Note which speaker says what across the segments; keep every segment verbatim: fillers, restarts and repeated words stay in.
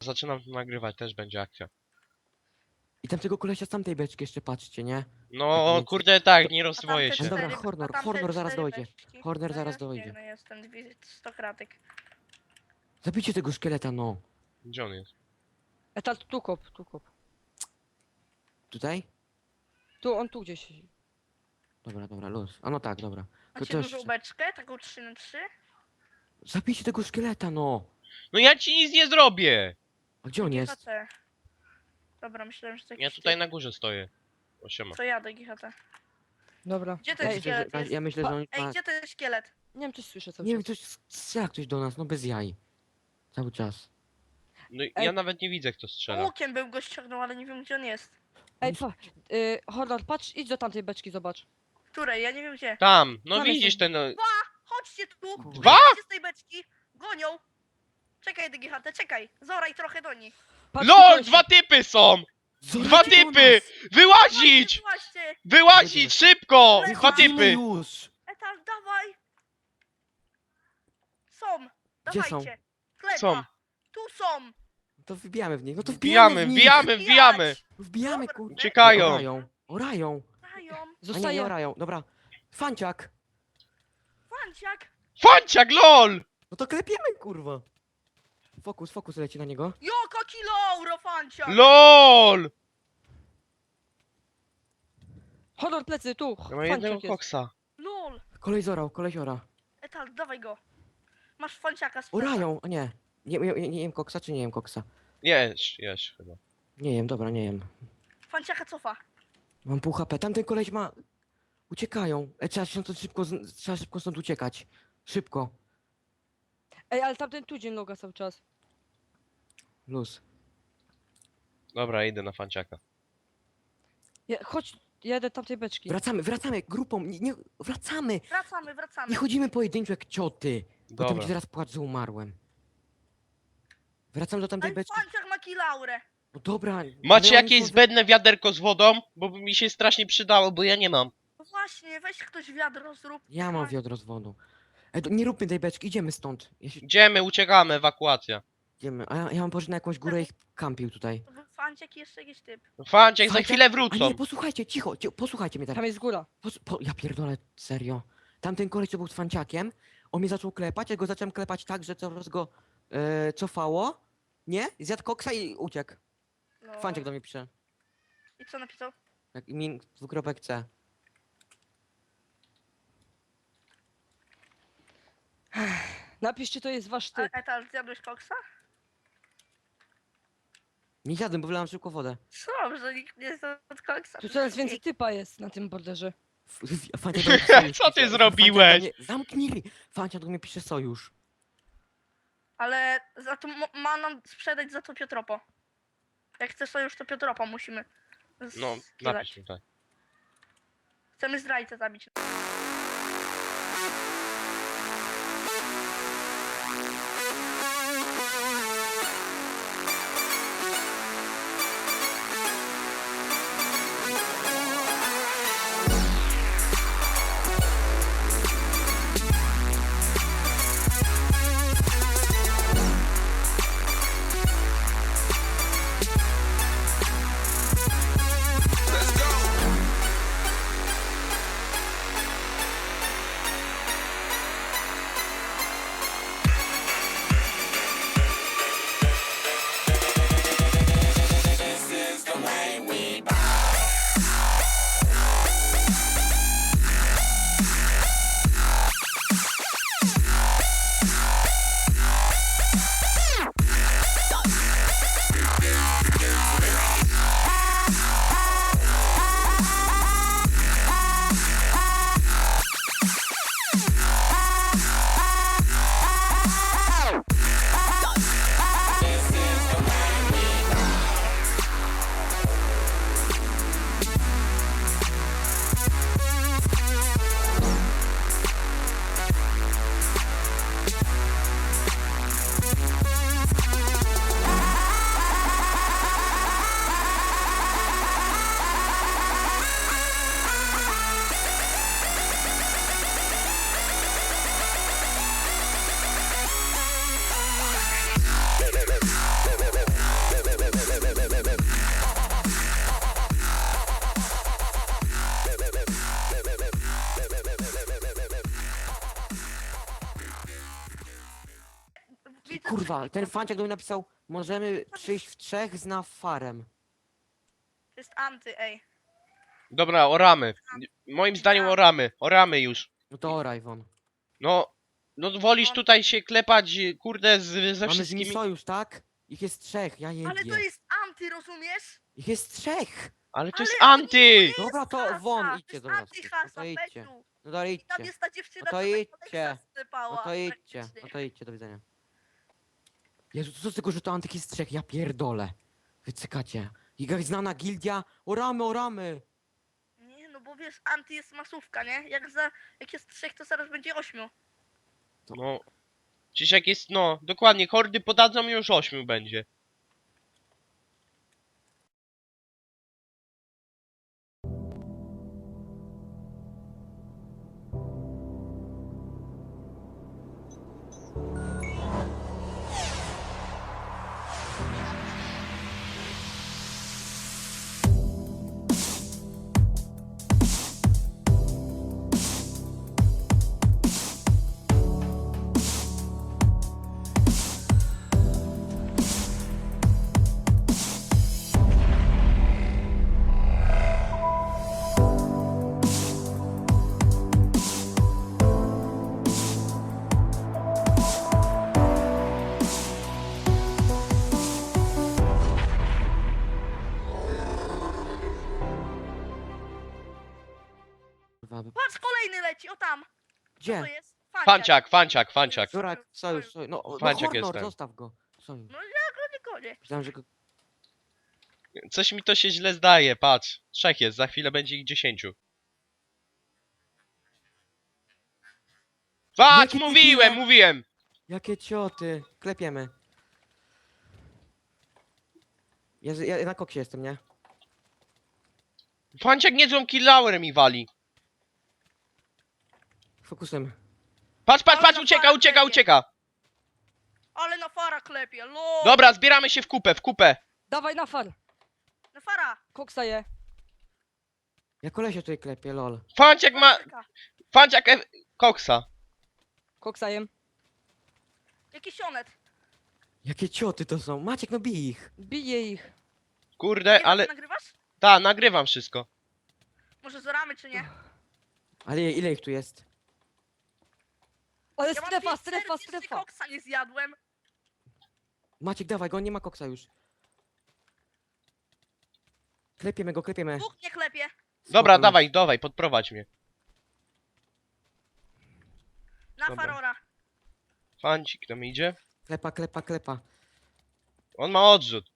Speaker 1: zaczynam to nagrywać, też będzie akcja.
Speaker 2: I tam tego kolesia z tamtej beczki jeszcze patrzcie, nie?
Speaker 1: No
Speaker 2: Więc-
Speaker 1: kurde tak, nie
Speaker 3: A
Speaker 1: rozwoję
Speaker 3: tamte
Speaker 1: się.
Speaker 2: Dobra,
Speaker 3: cztery-
Speaker 2: Hornor,
Speaker 3: a tamte
Speaker 2: Hornor zaraz
Speaker 3: cztery
Speaker 2: dojdzie.
Speaker 3: beczki?
Speaker 2: Hornor
Speaker 3: No
Speaker 2: zaraz
Speaker 3: ja
Speaker 2: dojdzie.
Speaker 3: biegnę, jestem dwie- sto kratek.
Speaker 2: Zabijcie tego szkieleta, no.
Speaker 1: Gdzie on jest?
Speaker 4: Etal, tu kop, tu kop.
Speaker 2: Tutaj?
Speaker 4: Tu, on tu gdzieś.
Speaker 2: Dobra, dobra, luz. A no tak, dobra. To
Speaker 3: Macie
Speaker 2: też...
Speaker 3: dużą beczkę, taką trzy na trzy?
Speaker 2: Zabijcie tego szkieleta, no.
Speaker 1: No ja ci nic nie zrobię!
Speaker 2: A gdzie on
Speaker 3: G
Speaker 2: jest?
Speaker 3: H T. Dobra, myślałem, że to
Speaker 1: Ja
Speaker 3: jakiś
Speaker 1: tutaj
Speaker 3: typ.
Speaker 1: na górze stoję. O, siema.
Speaker 3: To jadę G H T.
Speaker 4: Dobra.
Speaker 3: Gdzie to
Speaker 2: Ja
Speaker 3: jest
Speaker 4: Ej,
Speaker 2: myślę, że,
Speaker 3: szkielet? Jest?
Speaker 2: ja myślę, że on...
Speaker 3: Ej,
Speaker 2: ma-
Speaker 3: gdzie to jest szkielet?
Speaker 4: nie wiem, coś słyszę cały
Speaker 2: Nie wiem,
Speaker 4: czas.
Speaker 2: coś strzela ktoś do nas, no bez jaj. Cały czas.
Speaker 1: No i
Speaker 4: Ej.
Speaker 1: ja nawet nie widzę kto strzela.
Speaker 3: Łukiem bym go ściągnął, ale nie wiem gdzie on jest.
Speaker 4: Ej, pa, y, Hornor, patrz, idź do tamtej beczki, zobacz.
Speaker 3: Której? Ja nie wiem gdzie.
Speaker 1: Tam, no
Speaker 4: Tam
Speaker 1: widzisz
Speaker 4: jest-
Speaker 1: ten... no,
Speaker 3: Chodźcie tu!
Speaker 2: Dwa?
Speaker 3: Wyjdźcie z tej beczki! Gonią! Czekaj, D G H T, czekaj! Zoraj trochę do nich!
Speaker 4: Patrz,
Speaker 1: LOL!
Speaker 4: koleś-
Speaker 1: Dwa typy są!
Speaker 2: Zorajcie
Speaker 1: Dwa
Speaker 2: do
Speaker 1: typy!
Speaker 2: nas!
Speaker 1: Wyłazić!
Speaker 3: Właśnie!
Speaker 1: Wyłazić! Szybko!
Speaker 3: Ale
Speaker 1: Dwa
Speaker 2: Wychodzimy
Speaker 1: typy!
Speaker 2: już!
Speaker 3: Etal, dawaj! Są!
Speaker 2: Gdzie są?
Speaker 3: Dawajcie! Chleba!
Speaker 1: Są.
Speaker 3: Tu są!
Speaker 2: To wbijamy w nich, no to wbijamy
Speaker 1: Wbijamy,
Speaker 2: w nich!
Speaker 1: wbijamy, wbijamy!
Speaker 3: Wbijać!
Speaker 2: Wbijamy,
Speaker 3: Dobra.
Speaker 2: kurde.
Speaker 1: Uciekają!
Speaker 2: Orają, orają.
Speaker 3: Dają!
Speaker 2: A nie, nie
Speaker 4: Zostaje.
Speaker 2: orają, dobra. Fanciak!
Speaker 3: Fanciak!
Speaker 1: Fanciak, LOL!
Speaker 2: No to klepiemy, kurwa. Fokus, fokus leci na niego.
Speaker 3: Joko kilouro, fanciak!
Speaker 1: LOL!
Speaker 4: Hornor, plecy, tu.
Speaker 1: Ja mam jednego
Speaker 4: Fanciak jest.
Speaker 1: koksa.
Speaker 3: Lol!
Speaker 2: Kolej zorał, kolej ora.
Speaker 3: Etal, dawaj go! Masz fanciaka z
Speaker 2: Orają, a nie. Nie, nie, nie, nie jem koksa, czy nie jem koksa?
Speaker 1: Jesz, jesz chyba.
Speaker 2: Nie jem, dobra, nie jem.
Speaker 3: Fanciaka cofa!
Speaker 2: Mam pół H P, tamten koleś ma... Uciekają. E, trzeba się stąd szybko, z- trzeba szybko stąd uciekać. Szybko.
Speaker 4: Ej, ale tamten tu dzień loga cały czas.
Speaker 2: Luz.
Speaker 1: Dobra, idę na fanciaka.
Speaker 4: Ja, chodź, jadę tamtej beczki.
Speaker 2: Wracamy, wracamy, grupą, nie, nie wracamy.
Speaker 3: Wracamy, wracamy!
Speaker 2: Nie chodzimy pojedynczo jak cioty. Potem
Speaker 1: Dobra.
Speaker 2: będzie zaraz płacz, że umarłem. Wracam do tamtej
Speaker 3: Ale
Speaker 2: beczki.
Speaker 3: fanciak ma kilaurę!
Speaker 2: No dobra.
Speaker 1: Macie
Speaker 2: ale oni
Speaker 1: jakieś
Speaker 2: są-
Speaker 1: zbędne wiaderko z wodą? Bo by mi się strasznie przydało, bo ja nie mam.
Speaker 3: No właśnie, weź ktoś wiadro zrób.
Speaker 2: Ja mam wiadro z wodą. E, to nie róbmy tej beczki, idziemy stąd. Ja się...
Speaker 1: Idziemy, uciekamy, ewakuacja.
Speaker 2: Idziemy. A ja, ja mam poszedł na jakąś górę i ich kampił tutaj.
Speaker 3: To był fanciak i jeszcze jakiś typ.
Speaker 1: Fanciak, za
Speaker 2: Fanciak?
Speaker 1: chwilę
Speaker 2: A
Speaker 1: wrócą.
Speaker 2: nie, posłuchajcie, cicho, cicho posłuchajcie mnie teraz.
Speaker 4: Tam jest góra.
Speaker 2: Pos, po, ja pierdolę, serio. Tamten koleś, co był z fanciakiem, on mnie zaczął klepać, ja go zacząłem klepać tak, że coraz go e, cofało. Nie? Zjadł koksa i uciekł.
Speaker 3: No.
Speaker 2: Fanciak do mnie pisze.
Speaker 3: I co napisał?
Speaker 2: Jak min dwukropek C.
Speaker 4: Napiszcie, to jest wasz
Speaker 3: A,
Speaker 4: typ.
Speaker 3: Etal, zjadłeś koksa?
Speaker 2: Nie zjadłem, bo wylałem szybko wodę.
Speaker 3: Co, że nikt nie zjadł koksa?
Speaker 4: Tu coraz więcej typa jest na tym borderze.
Speaker 2: F- f- Fanciak do mnie sojusz
Speaker 1: Co ty
Speaker 2: pisze.
Speaker 1: zrobiłeś?
Speaker 2: Fanciak do mnie- Zamknij ryj. Fanciak do mnie pisze sojusz.
Speaker 3: Ale za to mo- ma nam sprzedać za to Piotropo. Jak chcesz to już to Piotropo musimy
Speaker 1: No,
Speaker 3: skierać.
Speaker 1: napisz mi tak.
Speaker 3: Chcemy zdrajcę zabić.
Speaker 2: Kurwa, ten fanciak do mnie napisał, możemy przyjść w trzech z nafarem.
Speaker 3: To jest anty, ej.
Speaker 1: Dobra, oramy. Moim zdaniem oramy. Oramy już.
Speaker 2: No to oraj won.
Speaker 1: No, no wolisz tutaj się klepać, kurde, z, ze
Speaker 2: Mamy z nimi
Speaker 1: wszystkimi...
Speaker 2: sojusz, tak? Ich jest trzech, ja
Speaker 3: Ale
Speaker 2: jebię.
Speaker 3: to jest anty, rozumiesz?
Speaker 2: Ich jest trzech!
Speaker 1: Ale to
Speaker 3: Ale
Speaker 1: jest
Speaker 3: oni-
Speaker 1: anty!
Speaker 3: to
Speaker 2: Dobra,
Speaker 3: jest
Speaker 2: to
Speaker 3: hasa,
Speaker 2: won,
Speaker 3: to
Speaker 2: idźcie
Speaker 3: jest
Speaker 2: do nas.
Speaker 3: antyhasa,
Speaker 2: No to idźcie.
Speaker 3: Petu.
Speaker 2: No to
Speaker 3: I tam
Speaker 2: idźcie.
Speaker 3: jest ta dziewczyna,
Speaker 2: No to
Speaker 3: co tak
Speaker 2: idźcie.
Speaker 3: Kodeksa sypała.
Speaker 2: No to idźcie.
Speaker 3: praktycznie.
Speaker 2: No to idźcie, do widzenia. Jezu, co z tego, że to antyk jest trzech? Ja pierdolę. Wycykacie. Jakaś znana gildia. Oramy, oramy!
Speaker 3: Nie, no bo wiesz, anty jest masówka, nie? Jak za, jak jest trzech, to zaraz będzie ośmiu.
Speaker 1: No. Przecież jak jest, no, dokładnie, hordy podadzą już ośmiu będzie.
Speaker 2: Kurwa, by-
Speaker 3: Patrz, kolejny leci, o tam. Co
Speaker 2: Gdzie?
Speaker 3: to jest?
Speaker 1: Fanciak, fanciak, fanciak.
Speaker 2: Dobra, sojusz, sojusz. No, no
Speaker 1: Fanciak
Speaker 2: Hornor,
Speaker 1: jestem.
Speaker 2: zostaw go. Sojusz.
Speaker 3: No ja go nie gonię.
Speaker 2: Myślałem, że go...
Speaker 1: Coś mi to się źle zdaje, patrz. Trzech jest, za chwilę będzie ich dziesięciu. Patrz,
Speaker 2: Jakie ty
Speaker 1: mówiłem,
Speaker 2: tyle?
Speaker 1: mówiłem!
Speaker 2: Jakie cioty. Klepiemy. Ja, z- ja na koksie jestem, nie?
Speaker 1: Fanciak niezłą killauerem mi wali.
Speaker 2: Fokusem.
Speaker 1: Patrz, patrz,
Speaker 3: Ale
Speaker 1: patrz,
Speaker 3: na
Speaker 1: ucieka,
Speaker 3: parę
Speaker 1: ucieka,
Speaker 3: klepie.
Speaker 1: ucieka.
Speaker 3: Ale na fara klepie, lo.
Speaker 1: Dobra, zbieramy się w kupę, w kupę.
Speaker 4: Dawaj na far.
Speaker 3: Na fara.
Speaker 4: Koksa je.
Speaker 2: Ja kolesia tutaj klepię, lol.
Speaker 1: Fanciak ma...
Speaker 3: Patrzyka.
Speaker 1: Fanciak e... koksa.
Speaker 4: Koksa jem.
Speaker 3: Jakiś onet.
Speaker 2: Jakie cioty to są? Maciek, no bij ich.
Speaker 4: Biję ich.
Speaker 1: Kurde,
Speaker 3: Nie
Speaker 1: ale...
Speaker 3: ale... nagrywasz?
Speaker 1: Ta, nagrywam wszystko.
Speaker 3: Może zoramy, czy nie?
Speaker 2: Ale ile ich tu jest?
Speaker 4: Ale
Speaker 3: Ja mam
Speaker 4: strefa,
Speaker 3: pięć
Speaker 4: strefa,
Speaker 3: serc, jeszcze
Speaker 4: strefa.
Speaker 3: koksa nie zjadłem.
Speaker 2: Maciek, dawaj go, on nie ma koksa już. Klepiemy go, klepiemy.
Speaker 3: Dwóch nie klepie.
Speaker 1: Dobra,
Speaker 2: Spoko,
Speaker 1: dawaj, dawaj, podprowadź mnie.
Speaker 3: Na
Speaker 1: Dobra.
Speaker 3: farora.
Speaker 1: Fancik nam idzie.
Speaker 2: Klepa, klepa, klepa.
Speaker 1: On ma odrzut.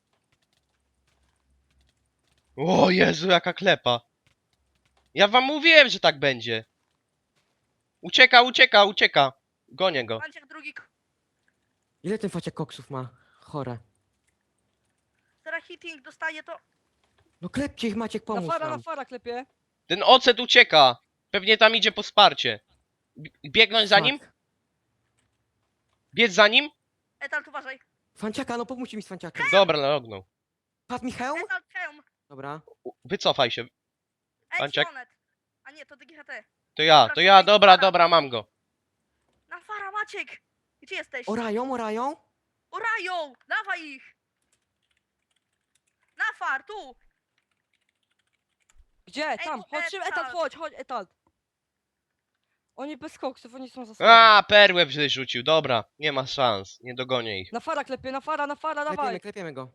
Speaker 1: O Jezu, jaka klepa. Ja wam mówiłem, że tak będzie. Ucieka, ucieka, ucieka. Gonię go.
Speaker 3: Panciak drugi. k-
Speaker 2: Ile ten faciak koksów ma? Chore.
Speaker 3: Teraz hitting dostaje to.
Speaker 2: No klepcie ich, Maciek,
Speaker 4: Na
Speaker 2: pomóż
Speaker 4: fara, na
Speaker 2: nam.
Speaker 4: fara klepie.
Speaker 1: Ten ocet ucieka. Pewnie tam idzie po wsparcie. B- Biegnąć za nim?
Speaker 2: Fuck.
Speaker 1: Biec za nim?
Speaker 3: Etalt, uważaj.
Speaker 2: Fanciaka, no pomóżcie mi z fanciakiem.
Speaker 1: Dobra, naognął.
Speaker 2: Padł mi hełm?
Speaker 3: Etalt, hełm.
Speaker 2: Dobra.
Speaker 1: U- Wycofaj się.
Speaker 3: Ej,
Speaker 1: Panciak.
Speaker 3: ci onet. A nie, to D G H T.
Speaker 1: To ja, to ja, dobra, dobra, mam go.
Speaker 3: Na fara, Maciek. Gdzie jesteś?
Speaker 2: Orają, orają?
Speaker 3: Orają! Dawaj ich! Na far, tu!
Speaker 4: Gdzie? Tam,
Speaker 3: tu
Speaker 4: chodź, szybko,
Speaker 3: Etalt.
Speaker 4: etat, chodź, chodź, etat. Oni bez koksów, oni są za
Speaker 1: A, perłę wyrzucił, dobra. Nie ma szans, nie dogonię ich.
Speaker 4: Na fara klepie, na fara, na fara,
Speaker 2: Klepiemy,
Speaker 4: dawaj.
Speaker 2: klepiemy go.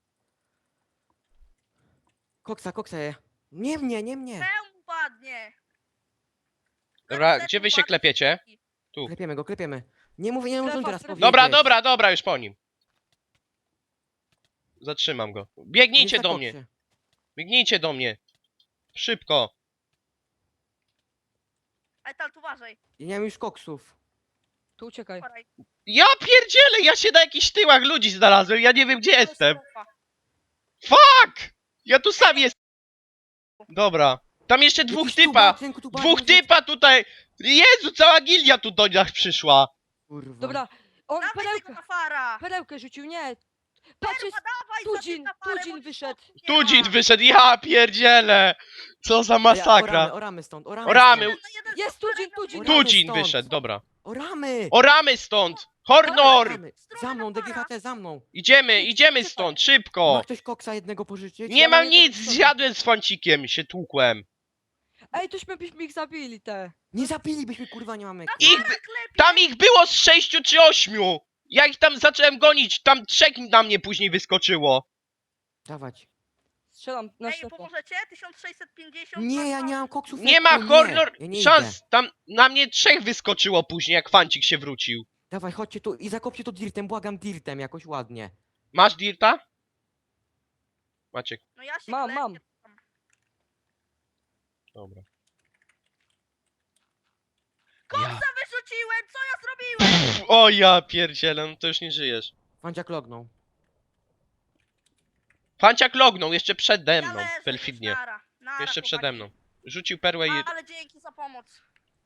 Speaker 2: Koksa, koksa je. Nie mnie, nie mnie.
Speaker 3: Hełm upadnie!
Speaker 1: Dobra,
Speaker 3: Zet
Speaker 1: gdzie wy się
Speaker 3: upadnie.
Speaker 1: klepiecie? Tu.
Speaker 2: Klepiemy go, klepiemy. Nie mówię, nie
Speaker 4: Strefa,
Speaker 2: możemy teraz
Speaker 4: strefa.
Speaker 2: powiedzieć.
Speaker 1: Dobra, dobra, dobra, już po nim. Zatrzymam go.
Speaker 2: On jest
Speaker 1: Biegnijcie
Speaker 2: na
Speaker 1: do
Speaker 2: koksie.
Speaker 1: mnie. Biegnijcie do mnie. Szybko.
Speaker 3: Etalt, uważaj.
Speaker 2: Ja nie mam już koksów.
Speaker 4: Tu uciekaj.
Speaker 3: Uważaj.
Speaker 1: Ja pierdzielę, ja się na jakichś tyłach ludzi znalazłem, ja nie wiem gdzie jestem.
Speaker 3: Katastrofa.
Speaker 1: Fuck! Ja tu sam jestem. Dobra. Tam jeszcze dwóch
Speaker 2: Jakiś
Speaker 1: typa.
Speaker 2: tuba, synku, tuba,
Speaker 1: Dwóch
Speaker 2: nie
Speaker 1: typa tutaj. Jezu, cała gilia tu do nas przyszła.
Speaker 2: Kurwa.
Speaker 4: Dobra, on
Speaker 3: Dawaj tego
Speaker 4: perełkę,
Speaker 3: na fara!
Speaker 4: perełkę rzucił, nie. Patrz, jest
Speaker 3: Dawaj,
Speaker 4: Tudzin,
Speaker 3: zabij na farę,
Speaker 4: Tudzin
Speaker 3: bo ci
Speaker 4: wyszedł.
Speaker 3: skoku nie ma.
Speaker 1: Tudzin wyszedł, ja pierdzielę. Co za
Speaker 2: Ej,
Speaker 1: masakra.
Speaker 2: Oramy, oramy stąd, oramy.
Speaker 1: Oramy.
Speaker 2: Stąd.
Speaker 3: Jeden na jeden
Speaker 4: Jest
Speaker 3: z farem
Speaker 4: Tudzin,
Speaker 3: na
Speaker 4: Tudzin.
Speaker 3: górę.
Speaker 2: Oramy
Speaker 1: Tudzin
Speaker 2: stąd.
Speaker 1: wyszedł, dobra.
Speaker 2: Oramy!
Speaker 1: Oramy stąd. Hornor!
Speaker 2: Gramy. Za mną, D G H T, za mną.
Speaker 1: Idziemy, idziemy stąd, szybko!
Speaker 2: Ma ktoś koksa jednego pożyczyć?
Speaker 1: Nie
Speaker 4: Ja
Speaker 1: mam
Speaker 4: mam jedno
Speaker 1: nic,
Speaker 4: pistolet.
Speaker 1: zjadłem z fancikiem, się tłukłem.
Speaker 4: Ej, tośmy byśmy ich zabili, te.
Speaker 2: Nie zapilibyśmy, kurwa, nie mamy.
Speaker 1: Ich by... Tam ich było z sześciu czy ośmiu! Ja ich tam zacząłem gonić, tam trzech na mnie później wyskoczyło.
Speaker 2: Dawać.
Speaker 4: Strzelam na
Speaker 3: Ej,
Speaker 4: ślepo.
Speaker 3: pomożecie? tysiąc sześćset pięćdziesiąt.
Speaker 2: Nie, ja nie mam koksów.
Speaker 1: Nie ma
Speaker 2: lekko,
Speaker 1: horror
Speaker 2: Ja nie idę.
Speaker 1: szans, tam na mnie trzech wyskoczyło później, jak fancik się wrócił.
Speaker 2: Dawaj, chodźcie tu i zakopcie to dirtem, błagam dirtem, jakoś ładnie.
Speaker 1: Masz dirta? Maciek,
Speaker 3: No ja się
Speaker 4: Mam,
Speaker 3: klepię
Speaker 4: mam.
Speaker 3: tam.
Speaker 1: dobra.
Speaker 3: Koksa
Speaker 1: Ja.
Speaker 3: wyrzuciłem! Co ja zrobiłem?
Speaker 1: O ja pierdzielę, no to już nie żyjesz.
Speaker 2: Fanciak lognął.
Speaker 1: Fanciak lognął jeszcze przede
Speaker 3: Ja
Speaker 1: mną,
Speaker 3: leżę już,
Speaker 1: perfidnie.
Speaker 3: nara, nara,
Speaker 1: Jeszcze
Speaker 3: chłopaki.
Speaker 1: przede mną. Rzucił perłę i...
Speaker 3: Ale dzięki za pomoc.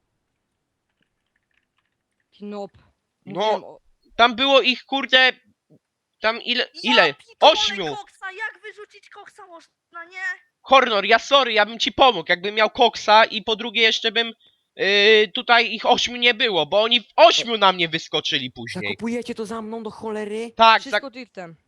Speaker 4: Knop.
Speaker 1: No.
Speaker 4: Mówiłem o-
Speaker 1: Tam było ich, kurde... Tam ile... Ile?
Speaker 3: Ja pitole
Speaker 1: Ośmiu!
Speaker 3: koksa, jak wyrzucić koksa można, nie?
Speaker 1: Hornor, ja sorry, ja bym ci pomógł, jakbym miał koksa i po drugie jeszcze bym... Yy, tutaj ich ośmiu nie było, bo oni w ośmiu na mnie wyskoczyli później.
Speaker 2: Zakopujecie to za mną do cholery?
Speaker 1: Tak, tak.
Speaker 4: Wszystko dirtem.